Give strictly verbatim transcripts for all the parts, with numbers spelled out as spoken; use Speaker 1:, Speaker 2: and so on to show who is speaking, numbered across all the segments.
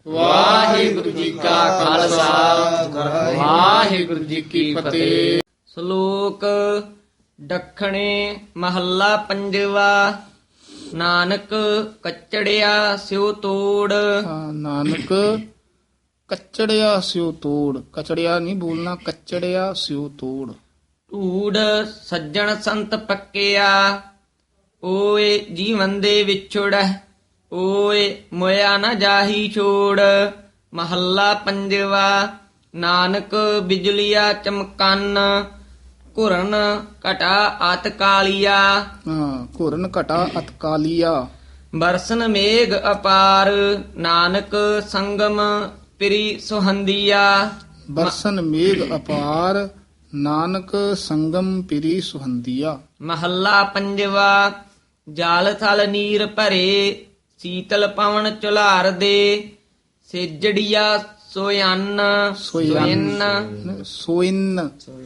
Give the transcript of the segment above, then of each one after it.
Speaker 1: ਵਾਹਿਗੁਰੂ ਜੀ ਕਾ ਖਾਲਸਾ ਵਾਹਿਗੁਰੂ ਜੀ ਕੀ ਫਤਿਹ।
Speaker 2: ਸ਼ਲੋਕ ਦੱਖਣੇ ਮਹੱਲਾ ਪੰਜਵਾ। ਨਾਨਕ ਕਚੜਿਆ ਸਿਉ ਤੋੜ।
Speaker 1: ਹਾਂ, ਨਾਨਕ ਕਚੜਿਆ ਸਿਉ ਤੋੜ। ਕਚੜਿਆ ਨਹੀਂ ਬੋਲਣਾ, ਕਚੜਿਆ ਸਿਉ ਤੋੜ।
Speaker 2: ਢੂੜ ਸੱਜਣ ਸੰਤ ਪੱਕਿਆ। ਓਏ ਜੀਵਨ ਦੇ ਵਿਛੋੜੈ। ਓਏ ਮੋਇਆ ਨਾ ਜਾਹੀ ਛੋੜ। ਮਹੱਲਾ ਪੰਜਵਾ। ਨਾਨਕ ਬਿਜਲੀਆ ਚਮਕਨ। ਘੁਰਨ ਘਟਾ ਅਤ ਕਾਲੀਆ।
Speaker 1: ਹਾਂ, ਘੁਰਨ ਘਟਾ ਅਤਕਾਲੀਆ।
Speaker 2: ਬਰਸਨ ਮੇਘ ਅਪਾਰ। ਨਾਨਕ ਸੰਗਮ ਪ੍ਰੀ ਸੁਹੰਦੀਆ।
Speaker 1: ਬਰਸਨ ਮੇਘ ਅਪਾਰ। ਨਾਨਕ ਸੰਗਮ ਪਿਰੀ ਸੁਹੰਦੀਆ।
Speaker 2: ਮਹੱਲਾ ਪੰਜਵਾ। ਜਲ ਥਲ ਨੀਰ ਭਰੇ। ਸੀਤਲ ਪਵਨ ਝੁਲਾਰ ਦੇ। ਸੇਜੜੀਆ ਸੋਇਨ ਸੋਇਨ
Speaker 1: ਸੋਇਨ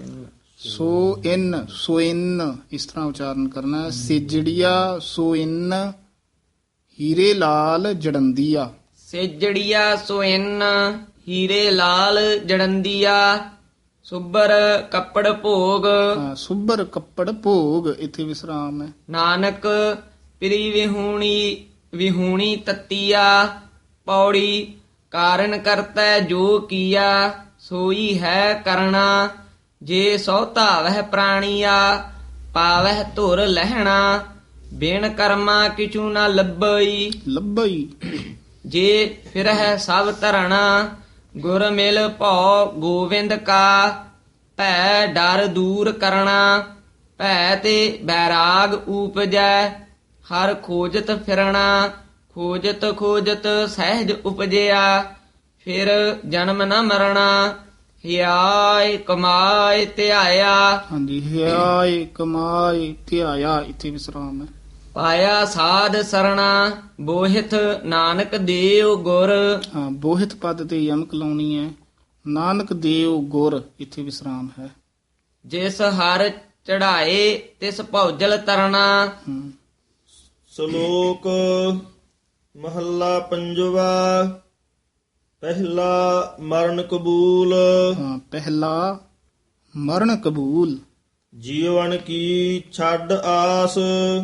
Speaker 1: ਸੋਇਨ ਸੋਇਨ ਇਸ ਤਰ੍ਹਾਂ ਉਚਾਰਨ ਕਰਨਾ ਹੈ। ਸਿਜੜੀਆ ਸੋਇਨ ਹੀਰੇ ਲਾਲ ਜੜੰਦੀਆ।
Speaker 2: ਸੇਜੜੀਆ ਸੋਇਨ ਹੀਰੇ ਲਾਲ ਜੜੰਦੀਆ। ਸੁਬਰ ਕੱਪੜ ਭੋਗ।
Speaker 1: ਹਾਂ, ਸੁਬਰ ਕੱਪੜ ਭੋਗ ਇੱਥੇ ਵਿਸਰਾਮ ਹੈ।
Speaker 2: ਨਾਨਕ ਪ੍ਰੀ ਵਿਹੂਣੀ ਵਿਹੂਣੀ ਤਤੀਆ। ਪੌੜੀ ਕਾਰਨ ਕਰਤੈ ਜੋ ਕੀਆ। ਸੋਈ ਹੈ ਕਰਣਾ ਜੇ ਸੋ ਧਾਵਹਿ ਪ੍ਰਾਣੀਆ। ਪਾਵਹਿ ਧੁਰ ਲਹਿਣਾ ਬਿਨ ਕਰਮਾ ਕਿਛੂ ਨਾ ਲੱਭਈ।
Speaker 1: ਲੱਭਈ
Speaker 2: ਜੇ ਫਿਰਹਿ ਸਭ ਧਰਣਾ। ਗੁਰ ਮਿਲ ਭਉ ਗੋਵਿੰਦ ਕਾ। ਭੈ ਡਰ ਦੂਰ ਕਰਣਾ। ਭੈ ਤੇ ਬੈਰਾਗ ਊਪਜੈ। ਹਰ ਖੋਜਤ ਫਿਰਣਾ। ਖੋਜਤ ਖੋਜਤ ਸਹਿਜ ਉਪਜਿਆ। ਫਿਰ ਜਨਮ ਨ ਮਰਣਾ। ਹਿਆਇ ਕਮਾਇ ਧਿਆਇਆ।
Speaker 1: ਹਾਂਜੀ, ਹਿਆਏ ਕਮਾਏ ਧਿਆਇਆ ਇੱਥੇ ਵਿਸਰਾਮ ਹੈ।
Speaker 2: ਪਾਇਆ ਸਾਧ ਸਰਣਾ। ਬੋਹਿਥ ਨਾਨਕ ਦੇਵ ਗੁਰ।
Speaker 1: ਹਾਂ, ਬੋਹਿਤ ਪਦ ਤੇ ਯਮਕ ਲਾਉਣੀ ਹੈ। ਨਾਨਕ ਦੇਵ ਗੁਰ ਇੱਥੇ ਵਿਸਰਾਮ ਹੈ।
Speaker 2: ਜਿਸ ਹਰ ਚੜਾਏ ਤਿਸ ਭੌਜਲ ਤਰਨਾ।
Speaker 1: ਹਮ,
Speaker 3: ਸ਼ਲੋਕ ਮਹੱਲਾ ਪੰਜਵਾ। ਪਹਿਲਾ ਮਰਨ ਕਬੂਲ।
Speaker 1: ਹਾਂ, ਪਹਿਲਾ ਮਰਨ ਕਬੂਲ।
Speaker 3: ਜੀਵਨ ਕੀ ਛੱਡ ਆਸ।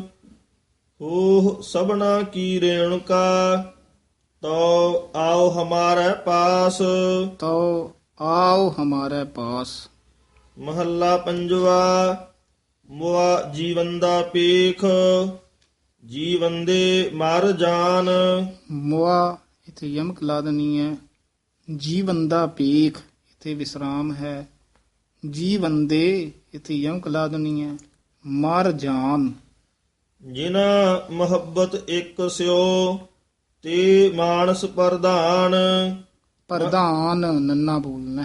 Speaker 3: ਹੋ ਸਭਨਾ ਕੀ ਰੇਣੁਕਾ। ਤੋ ਆਓ ਹਮਾਰੇ ਪਾਸ।
Speaker 1: ਤੋ ਆਓ ਹਮਾਰੇ ਪਾਸ।
Speaker 3: ਮਹੱਲਾ ਪੰਜਵਾ। ਮੁਆ ਜੀਵਨ ਦਾ ਪੇਖ। ਜੀਵਨ ਦੇ ਮਰ ਜਾਨ।
Speaker 1: ਮੁਆ ਇੱਥੇ ਯਮਕ ਲਾ ਦੇਣੀ ਹੈ। ਜੀਵਨ ਦਾ ਪੇਖ ਇੱਥੇ ਵਿਸਰਾਮ ਹੈ। ਜੀਵਨ ਦੇ ਇੱਥੇ ਯਮਕ ਲਾ ਦੇਣੀ ਹੈ। ਮਰ ਜਾਨ।
Speaker 3: ਜਿਨਾ ਮੁਹੱਬਤ ਇੱਕ ਸਿਓ। ਤੇ ਮਾਨਸ ਪ੍ਰਧਾਨ।
Speaker 1: ਪ੍ਰਧਾਨ ਨੰਨਾ ਬੋਲਣਾ।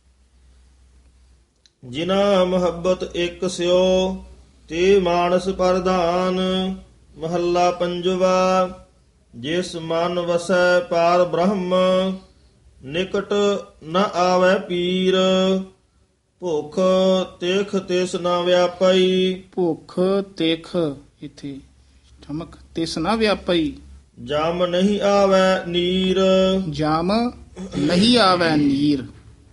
Speaker 3: ਜਿਨਾ ਮੁਹੱਬਤ ਇੱਕ ਸਿਓ। ਤੇ ਮਾਨਸ ਪ੍ਰਧਾਨ। ਮਹੱਲਾ ਪੰਜਵਾ। ਜਿਸ ਮਨ ਵਸੈ ਪਾਰ ਬ੍ਰਹਮ। ਨਿਕਟ ਨ ਆਵੈ ਪੀਰ। ਭੁਖ ਤੇਖ ਤਿਸ ਨ ਵਿਆਪਈ।
Speaker 1: ਭੁੱਖ ਤੇਖ ਇੱਥੇ ਠਮਕ ਤਿਸ ਨਾ ਵਿਆਪਈ।
Speaker 3: ਜਮ ਨਹੀਂ ਆਵੈ ਨੀਰ।
Speaker 1: ਜਮ ਨਹੀਂ ਆਵੈ ਨੀਰ।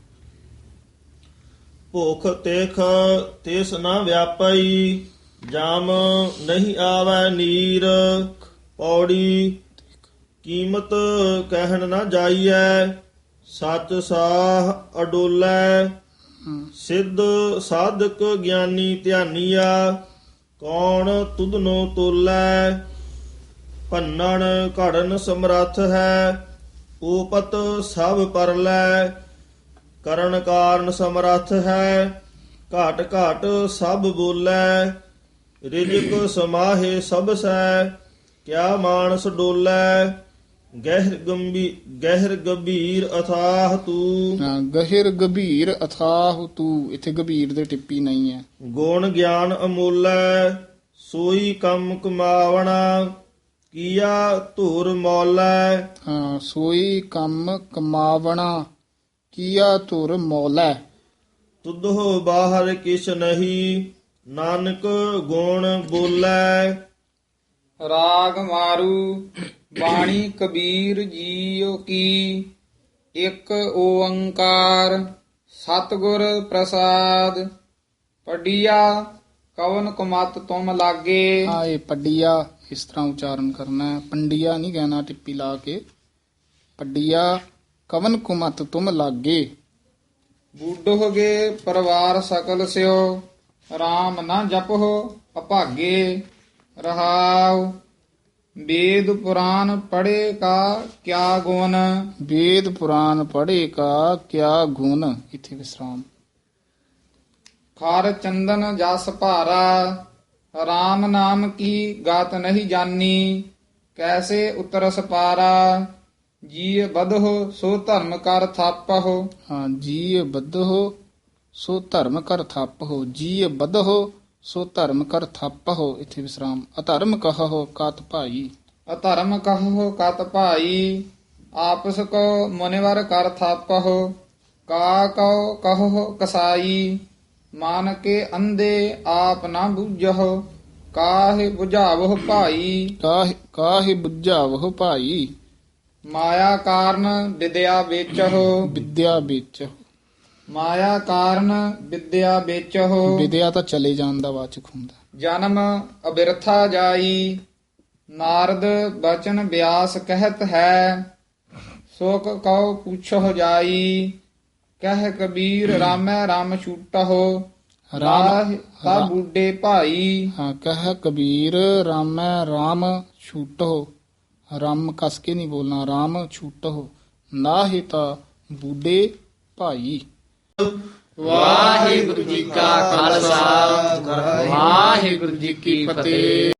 Speaker 3: ਭੁਖ ਤੇਖ ਤਿਸ ਨ ਵਿਆਪਈ। ਜਮ ਨਹੀਂ ਆਵੈ ਨੀਰ। ਪੌੜੀ ਕੀਮਤ ਕਹਿਣ ਨਾ ਜਾਈਐ। ਸੱਚ ਸਾਹ ਅਡੋਲੈ। ਸਿੱਧ ਸਾਧਕ ਗਿਆਨੀ ਧਿਆਨੀਆ। ਕੌਣ ਤੁਧਨੋ ਤੋਲੈ। ਭੰਨਣ ਘੜਨ ਸਮਰੱਥ ਹੈ। ਓਪਤ ਸਭ ਪਰਲੈ। ਕਰਨ ਕਾਰਨ ਸਮਰੱਥ ਹੈ। ਘਾਟ ਘਾਟ ਸਭ ਬੋਲੈ। ਰਿਜਕ ਸਮਾਹੇ ਸਭ ਸੈ। ਕਿਆ ਮਾਨਸ ਡੋਲੈ। ਗਹਿਰ ਗੰਭੀ ਗਹਿਰ ਗੰਭੀਰ ਅਥਾਹ ਤੂੰ।
Speaker 1: ਹਾਂ, ਗਹਿਰ ਗੰਭੀਰ ਅਥਾਹ ਤੂੰ ਇੱਥੇ ਗੰਭੀਰ ਦੇ ਟਿੱਪੀ ਨਹੀਂ ਹੈ।
Speaker 3: ਗੁਣ ਗਿਆਨ ਅਮੋਲੈ। ਸੋਈ ਕੰਮ ਕਮਾਵਣਾ। ਕੀਆ ਧੁਰ ਮੌਲੈ।
Speaker 1: ਹਾਂ, ਸੋਈ ਕੰਮ ਕਮਾਵਣਾ। ਕੀਆ ਧੁਰ ਮੌਲੈ।
Speaker 3: ਤੁਧੋ ਬਾਹਰ ਕਿਛ ਨਹੀਂ। ਨਾਨਕ ਗੁਣ ਬੋਲੈ।
Speaker 2: ਰਾਗ ਮਾਰੂ
Speaker 4: ਬਾਣੀ ਕਬੀਰ ਜੀਓ ਕੀ ਇੱਕ ਓੰਕਾਰ ਸਤਿਗੁਰ ਪ੍ਰਸਾਦ ਪੜੀਆ ਕਵਨ ਕੁਮਤ ਤੁਮ ਲਾਗੇ।
Speaker 1: ਆ ਇਹ ਪੱਡੀਆ ਇਸ ਤਰ੍ਹਾਂ ਉਚਾਰਨ ਕਰਨਾ ਹੈ, ਪੰਡੀਆ ਨਹੀਂ ਕਹਿਣਾ ਟਿੱਪੀ ਲਾ ਕੇ। ਪੱਡੀਆ ਕਵਨ ਕੁਮਤ ਤੁਮ ਲਾਗੇ।
Speaker 4: ਬੂਢੋਗੇ ਪਰਿਵਾਰ ਸਕਲ ਸਿਓ RAM ਨਾ ਜਪੋ ਅਭਾਗੇ। ਰਹਾਉ ਵੇਦ ਪੁਰਾਨ ਪੜ੍ਹੇ ਕਾ ਕਿਆ ਗੁਣ।
Speaker 1: ਵੇਦ ਪੁਰਾਨ ਪੜ੍ਹੇ ਕਾ ਕਿਆ ਗੁਣ। ਇੱਥੇ ਵਿਸਰਾਮ।
Speaker 4: ਖਾਰ ਚੰਦਨ ਜਸ ਭਾਰਾ RAM ਨਾਮ ਕੀ ਗਾਤ ਨਹੀਂ ਜਾਨੀ। ਕੈਸੇ ਉਤਰਸ ਪਾਰਾ ਜੀ ਬਧੋ ਸੋ ਧਰਮ ਕਰ ਥਾਪਹੁ।
Speaker 1: ਹਾਂ ਜੀ ਬੱਧੋ ਸੋ ਧਰਮ ਕਰ ਥਾਪਹੁ। ਜੀ ਬੱਧੋ ਸੋ ਧਰਮ ਕਰ ਥਾਪਹੁ। ਇੱਥੇ ਵਿਸਰਾਮ। ਅਧਰਮ ਕਹੋ ਕਤ ਭਾਈ।
Speaker 4: ਅਧਰਮ ਕਹੋ ਕਤ ਭਾਈ ਆਪਸ ਕੋ ਮੁਨਿਵਰ ਕਰ ਥਾਪਹੁ। ਕਾ ਕਉ ਕਹੋ ਕਸਾਈ ਮਨ ਕੇ ਅੰਧੇ ਆਪ ਨਾ ਬੁਝਹੁ। ਕਾਹੇ ਬੁਝਾਵਹੁ ਭਾਈ
Speaker 1: ਕਾਹਿ ਕਾਹਿ ਬੁੱਝਾਵਹੁ ਭਾਈ।
Speaker 4: ਮਾਇਆ ਕਾਰਨ ਵਿਦਿਆ ਵੇਚਹੁ।
Speaker 1: ਵਿਦਿਆ ਵਿੱਚ
Speaker 4: ਮਾਇਆ ਕਾਰਨ ਵਿਦਿਆ ਵੇਚਹੁ।
Speaker 1: ਵਿਦਿਆ ਤਾਂ ਚਲੇ ਜਾਣ ਦਾ ਵਾਚਕ ਹੁੰਦਾ।
Speaker 4: ਜਨਮ ਅਬਿਰਥਾ ਜਾਈ ਨਾਰਦ ਬਚਨ ਬਿਆਸ ਕਹਿਤ ਹੈ। ਸੋਕ ਕਉ ਪੁੱਛੋ ਜਾਈ ਕਹਿ ਕਬੀਰ ਰਾਮੈ ਰਾਮ ਛੂਟਹੁ। ਰਾਹ ਤਾ ਬੂਢੇ ਭਾਈ
Speaker 1: ਹਾਂ ਕਹਿ ਕਬੀਰ ਰਾਮੈ ਰਾਮ ਛੂਟੋ। ਰਾਮ ਕਸ ਕੇ ਨਹੀਂ ਬੋਲਣਾ, ਰਾਮ ਛੂਟੋ। ਨਾਹਿ ਤਾ ਬੂਢੇ ਭਾਈ।
Speaker 2: ਵਾਹਿਗੁਰੂ ਜੀ ਕਾ ਖਾਲਸਾ ਵਾਹਿਗੁਰੂ ਜੀ ਕੀ ਫਤਿਹ।